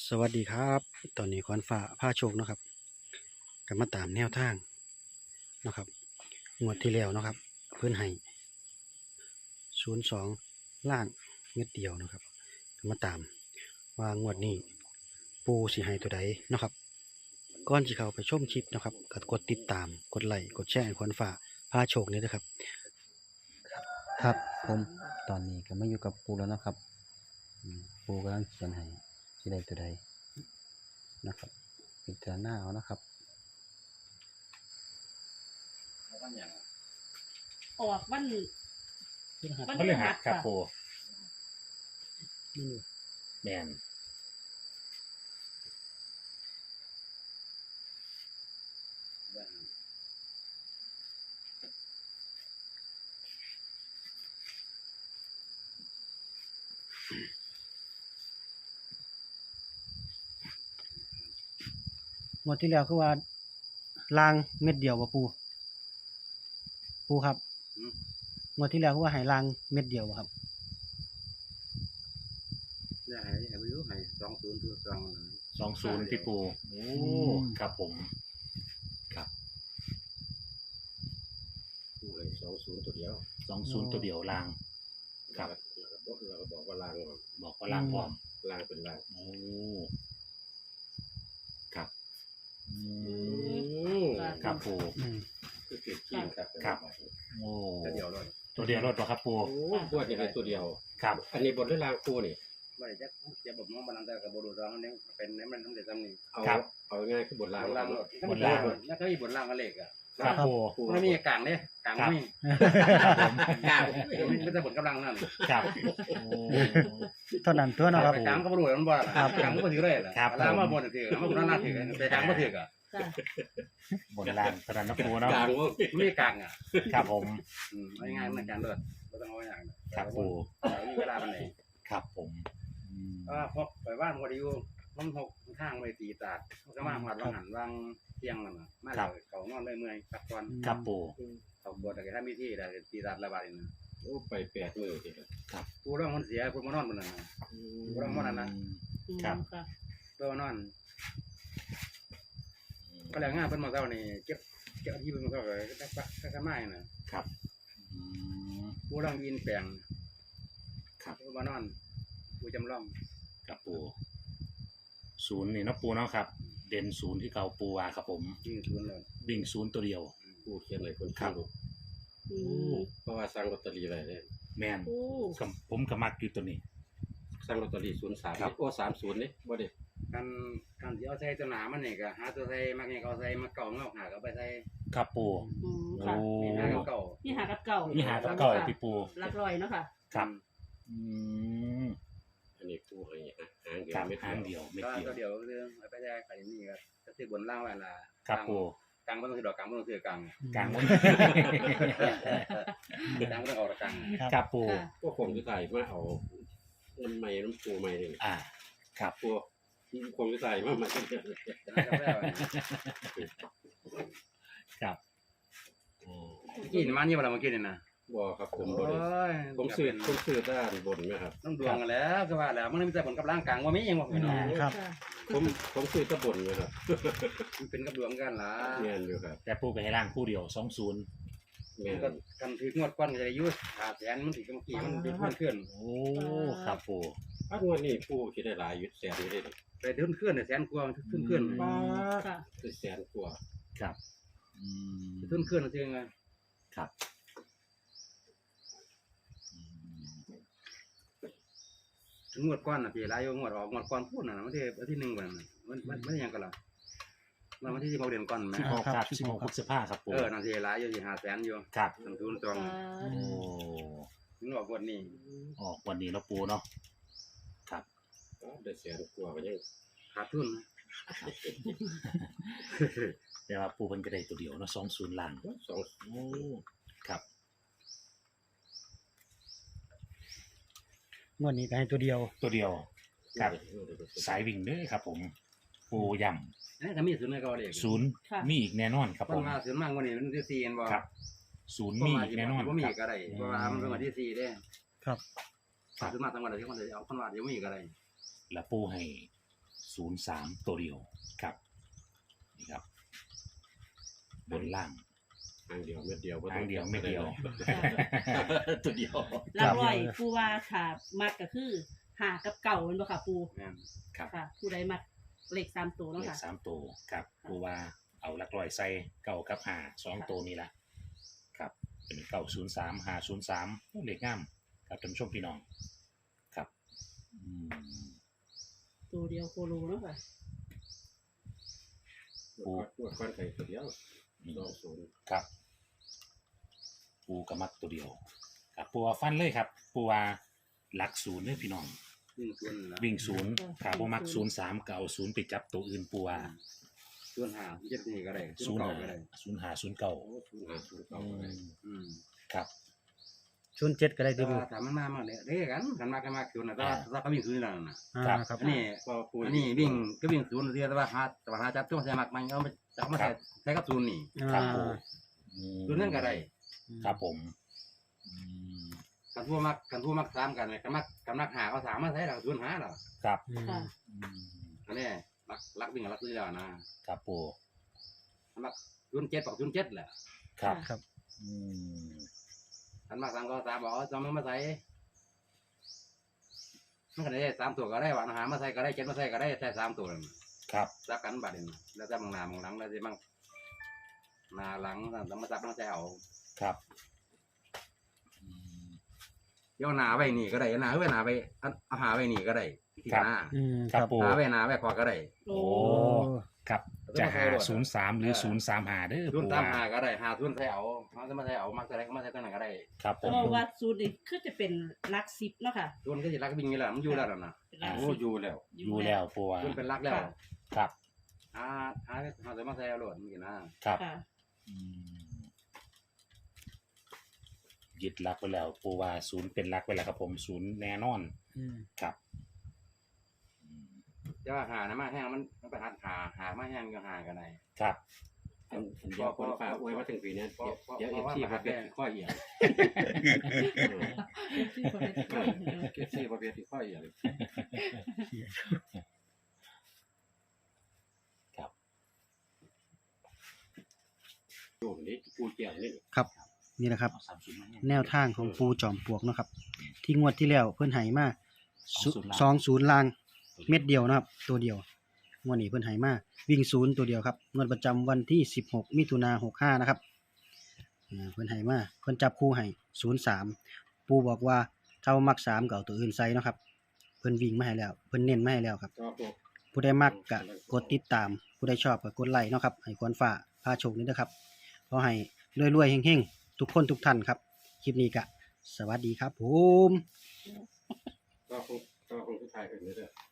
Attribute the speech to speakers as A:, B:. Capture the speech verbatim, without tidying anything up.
A: สวัสดีครับตอนนี้ขวัญฟ้าพาโชคเนาะครับก็มาตามแนวทางเนาะครับงวดที่แล้วเนาะครับเพื่อนให้ศูนย์สองล่างเม็ดเดียวเนาะครับก็มาตามว่างวดนี้ปูสิให้ตัวใดเนาะครับก่อนที่เขาไปชมคลิปเนาะครับก็กดติดตามกดไลค์กดแชร์ให้ขวัญฟ้าพาโชคนี้นะครับครับผมตอนนี้ก็มาอยู่กับปูแล้วนะครับอืมปูกำลังเขียนให้สิได้ตัวใดนะครับพิจารณาเอานะครับ
B: ออกวัน
C: พฤหัสครับปูแมน
A: งวดที่แล้วคือว่าลางเม็ดเดียวบ่ปูปูครับงวดที่แล้วคือว่าให้ลางเม็ดเดียวบ่ครับ
D: ได้ให้ให้ไม่รู้ให้สองศูนย์ตัวสอง
C: สองศูนย์ที่ปูโอ้ครับผมครับ
D: ผู้เลยสองศูนย์ตัวเดียว
C: สองศูนย์ตัวเดียวลางครับ
D: เราก็บอกเราก็บอกว่าลาง
C: บอกว่าลางพร้อม
D: ลางเป็นลาง
C: โอ้ครับอืมครับปู
A: อืม
D: คือเกิดกินครับ
C: ครับโอ้
D: ตัวเดียวเลย
C: ตัวเดียวรถวะครับปู
D: โอ้ปวดอย่างไรตัวเดียว
C: ครับ
D: อันนี้บทด้วยลางคู่นี่ไม่ได้จะจะบอกน้องบาลังแต่กับบทร้องนี่เป็นนี่มันทำเด็ดทำนี่เอาเอาง่ายคือบทลางลางบทลางแล้วก็มีบทลางกันเล็กอ่ะ
C: ครับปู
D: ไม่มีกลางเนี่ยกลางไม่กลางไม่จะบทกำลังนั่น
C: ครับ
A: เท่านั้นตัวเนาะครับ
D: กลางก็บรรลุมันบ่ล่ะกลางก็ถือเลยล่ะลางมาบนถือแล้วมันก็น่าถือแต่กลางก็ถืออ่ะ
B: ค่ะ
C: บนลางตอนนั้นนะปูเนาะ
D: กลางไม่กลางอ่ะ
C: ครับผม
D: อืมง่ายๆมันการเลือดไม่ต้องเอาอย่าง
C: ครับปู
D: มีเวลามันไหน
C: ครับผมอืม
D: ก็พอไปบ้านพอดีอยู่มันหกข้างไปตีตาดมันก็มาหัดวางหันวางเตียงมันมาเลยเขานอนเลยเมื่อยพักผ่อน
C: ครับปู
D: เขาบวชแต่ถ้ามีที่แต่ตีตาดระบาดนี่นะโอ้ไปแปดมือทีกูร้องมันเสียกูมานอนบนนั้นกูร้องมันนั้นนะ
C: ครับ
B: ค่ะ
D: เพื่อนอนก็แล้วง่ายเป็นมาเท่านี้เก็บเก็บที่เป็นมาเท่าไหร่ก็ก็ก็ไม่นะครับ
C: อืม
D: กูร้องยินแปลง
C: ครับ
D: กูมานอนกูจำลอง
C: ครับปูศูนย์นี่เนาะปูเนาะครับ เด่นศูนย์ที่เก่าปูว่าครับผม
D: ยิงทุนเลย
C: วิ่งศูนย์ตัวเดียว
D: กูเขียนเลยคน
C: ครับ
B: อืม
D: เพราะว่าสั่งลอตเตอรี่อะไรเนี่ย
C: แมน
B: โอ้
C: กับผมกับมักอยู่ตัวนี้
D: สั่งลอตเตอรี่ศูนย์สาม
C: ครับ
D: โอ้สามศูนย์นี่บ่เด็กันกันที่เอาใส่ตัวหนามันนี่ก็หาตัวใส่มาเนี่ยเขาใส่มาเก่าเงาหาก็ไปใส่
C: ครับปู
B: อืม
C: โอ้
B: ค่ะ
D: นี่หาเก่า
B: นี่หากับเก่า
C: นี่หากับเก่าพี่ปู
B: หลักร้อยเนาะค่ะ
C: ครับ อืม
D: อันนี้กูให้หางเดีย
C: ครั
D: ว
C: บ
D: ไม่
C: หางเดียวเม็ด
D: ก็
C: เดียว
D: เดียวเรื่องไปได้ไปนี่ก็ก็คือบนล่างไว้ละ
C: ครับปู
D: กลางไม่ต้องถือดอกกลางไม่ต้องถือกลาง
C: กลางวัน
D: กลางไม่ต้องออกกลาง
C: ครับปู
B: ค่ะ
D: พวกผมจะใส่มาเอาน้ำไม้น้ำปูไม้นี่
C: อ่า ครับ
D: พวกผมจะใส่มาใหม่
C: ครับโอ้
D: กินมานี่เวลามากินนี่นะบ่ครับผมบ่ได้ผมซื้อผมซื้อด้านบนไหมครับต้องดวงกันแล้วก็ว่าแล้วมันมีแต่ผลกับร่างกลางว่ามีเองบ่พี่น้อง
A: ครับ
B: ค่ะ
D: ผมผมซื้อตะบนเลยครับมันเป็นกับดวงกันล่ะเงี้ยอยู่ครับ
C: แต่ปูไปให้ล่างคู่เดียวสองศูนย์
D: เงี้ยกันถืองวดก้อนก็จะยุ่หาแสนมันถือเมื่อกี้มันดึงมันขึ้น
C: โอ้ครับปู
D: ถ้างวดนี้ผู้คิดได้หลายยุดแสนอยู่ได้ไปดึงขึ้นแสนกว่าขึ้นขึ้น
B: ค่ะ
D: คือแสนกว่า
C: ครับอืม
D: ขึ้นขึ้นจริงไง
C: ครับอืม
D: งวดก้อนน่ะพี่หลายงวดออกงวดก้อนพูดน่ะมันที่ที่หนึ่งวันมันมันมันยังกันล่ะมันวันที่สิบหกเดือนก้อนไหม
C: สิบหกครับสิบหกพฤษภาครับปู
D: เออนั่นสิหลายอยู่สิหาแสนอยู่
C: ครับ
D: ต้นทุนจอง
C: โอ้
D: งวดงวดนี้
C: ออกวันนี้เนาะปูเนาะครับ
D: ได้แสนกว่าก็ยังขาดทุน
C: แต่ว่าปูมันก็ได้ตัวเดียวเนาะสองศูนย์ล่าง
D: สอง
C: โอ้ครับ
A: งวดนี้ก็ให้ตัวเดียว
C: ตัวเดียวครับสายวิ่งเด้อครับ ผมปูย่
D: นี่ก็มีศูนย์ในเกาหลี
C: ำศูนย์มีอีกแน่นอนครับ
D: ต้
C: ผ
D: น
C: ม
D: มาศูนย์มากกว่านี้มันที่สี่เห็นบ่
C: ครับศูนย์มีอีกแน่นอน
D: บ่มี
C: ครับ
D: ก็ได้เพราะว่ามันเป็นวันที่สี่เด้
A: ครับ
D: ศูนย์มาทั้งวันเลยที่มันจะเอาคนว่าเดี๋ยวมีก็ได้
C: แล้วปูให้ศศูนย์สามตัวเดียวครับนี่ครับ บนล่าง
D: ทางเดียวเม็ดเดียว
C: ทางเดียวไม่เดียว
D: ตัวเดียว
B: หลักร้อยปูว่าค่ะมักก็คือหากับเก่าแมันบ่ค่ะปู
C: ครับ
B: ค่ะ ผู้ใดมักเลขสามตัวเนาะ
C: เลข
B: ค่ะ
C: สามตัวครับปูว่าเอาหลักร้อยใส่เก้ากับห้าสองตัวนี้ละครับเป็นเก้าศูนย์สามห้าศูนย์สามเลขงามครับท่านผู้ชมพี่น้องครับอืม
B: ตัวเดียวโคโลเนาะค่ะ
D: ปูตัวก้อนไข่ตัวเดียวสองศูนย์
C: ครับ ปูกระมักตัวเดียวครับปูว่าฟันเลยครับปูว่าหลักศูนย์เลยพี่น้อง
D: วิ่งศูนย์ละ
C: วิ่งศูนย์
B: อืม
C: ขาปูมักศูนย์สามเก่าศูนย์ไปจับตัวอื่นปูว่า
D: ศูนย์ห้าเจ็ดนี่ก็ได้
C: ศูนย์
D: เก่า
C: หา
D: ก็ได้
C: ศูนย์หาศูนย์เก่า
D: โอ้ศูนย์ห้าศูนย์เก่าก็ได้อืม
C: ครับ
A: ศูนย์เจ็ดก็ได้
D: แต่
A: ที่ปู
D: ว่าถ้ามันมามาเนี่ยเด้กันกันมากันมาศูนย์นะแต่ว่าถ้าก็วิ่งศูนย์นั่นน่ะ
A: อ่าครับ
D: อันนี้อันนี้วิ่งก็วิ่งศูนย์เดียวแต่ว่าหาแต่ว่าหาจับช่วงใส่หมักมันเอาไปจับมาใส่ใส่กับศูนย์นี่
C: ครับ
A: อ่า
C: ปูอืม
D: ศูนย์นั่นก็ได้
C: ครับผมอืม
D: กันทั่วมักกันทั่วมักสามกันเลยกันมักกันมักหาก็สามมาใส่หลักศูนย์หาหรอ
C: ครับ
A: อืม
B: ค่ะ
C: อืม
D: อันนี้รักรักวิ่งกับรักซื้อแล้วนะครับ
C: ปู
D: มักศูนย์เจ็ดบอกศูนย์เจ็ดแหละ
C: ครับ
A: ครับ
C: อืม
D: กันมักสามก็สามบอกจำมันมาใส่มันก็ได้สามตัวก็ได้หวานหามาใส่ก็ได้เจ็ดมาใส่ก็ได้ใส่สามตัวนั่น
C: ครับ
D: ซับกันบัดนี้แล้วจะมองหน้ามองหลังแล้วจะมั่งหน้าหลังต้องมาซับต้องใส่เอา
C: ครับอืม
D: เดี๋ยวหน้าไว้นี่ก็ได้หน้าไว้หน้าไปเอาหาไว้นี่ก็ได้ที่
C: ครับ
D: หน้า
A: อืม
C: ครับ
A: ครับ
C: ปู
D: หาไว้หน้าไว้พอก็ได้
B: โอ้
C: โอ้ครับจะหาศูนย์สามหรือศูนย์สามหาเด้อ
D: ศูน
C: ปู
D: ย์สาม
C: ว่า
D: หาก็ได้หาศูนย์ใส่เอาเขาจะมาใส่เอามักใส่ก็มาใส่ตัวไหนก็ได้
C: ครับผ
B: แต่
C: ม
B: ว่าวัดสูตรนี่คือจะเป็นหลักสิบเนาะค่ะ
D: ศูนย์ก็จะรักวิ่งนี่แหละมันอยู่แล้วนะ
B: เป็นหลัก
D: โอ้
B: สิบ
D: อยู่แล้ว
C: อยู่แล้วปูว่า
D: ศูนย์เป็นรักแล้ว
C: ครับ
D: หาหาหาจะมาใส่เอาโหลดมันกินนะครับ
B: ค่ะ
C: อืมยึดหลักไว้แล้วปูว่าศูนย์เป็นหลักไว้แล้วครับผมศูนย์แน่นอน
A: อืม
C: ครับอืม
D: จะว่าหานะมาแห้งมันมันไปหาหาหามาแห้งก็หากันได้
C: ครับ
E: อันอันเดียวคนฝากอวยมาถึงปีนี้เดี๋ยวเดี๋ยวเอฟซีประเภทข้อเหี่ยวเอฟซีประเภทข้อเหี่ยว
C: ครับ
E: โยมนี่ปูเกี่ยวนี่
A: ครับนี่แหละครับ
C: เอาสามศูนย์มาเนี่ย
A: แนวทางของปูจอมปลวกเนาะครับ ที่งวดที่แล้วเพิ่นให้มา
C: สองศูนย์ล่าง
A: สองศูนย์ลางเม็ดเดียวนะครับ ตัวเดียวงวดนี้เพิ่นให้มาวิ่งศูนย์ตัวเดียวครับงวดประจำวันที่สิบหกมิถุนายนหกห้านะครับอ่าเพิ่นให้มาเพิ่นจับคู่ให้ศูนย์สามปูบอกว่าถ้ามักสามก็เอาตัวอื่นใส่เนาะครับ เพิ่นวิ่งมาให้แล้วเพิ่นเน้นมาให้แล้วครับ
E: ก็พวก
A: ผู้ใดมักก็กดติดตาม ผู้ใดชอบก็กดไลค์เนาะครับให้ควรฝ่าพาโชคนี้นะครับขอให้รวยๆเฮงๆทุกคนทุกท่านครับคลิปนี้ก็สวัสดีครับผม
E: ก็คงก็คงทุกทายเป็นเรื่อย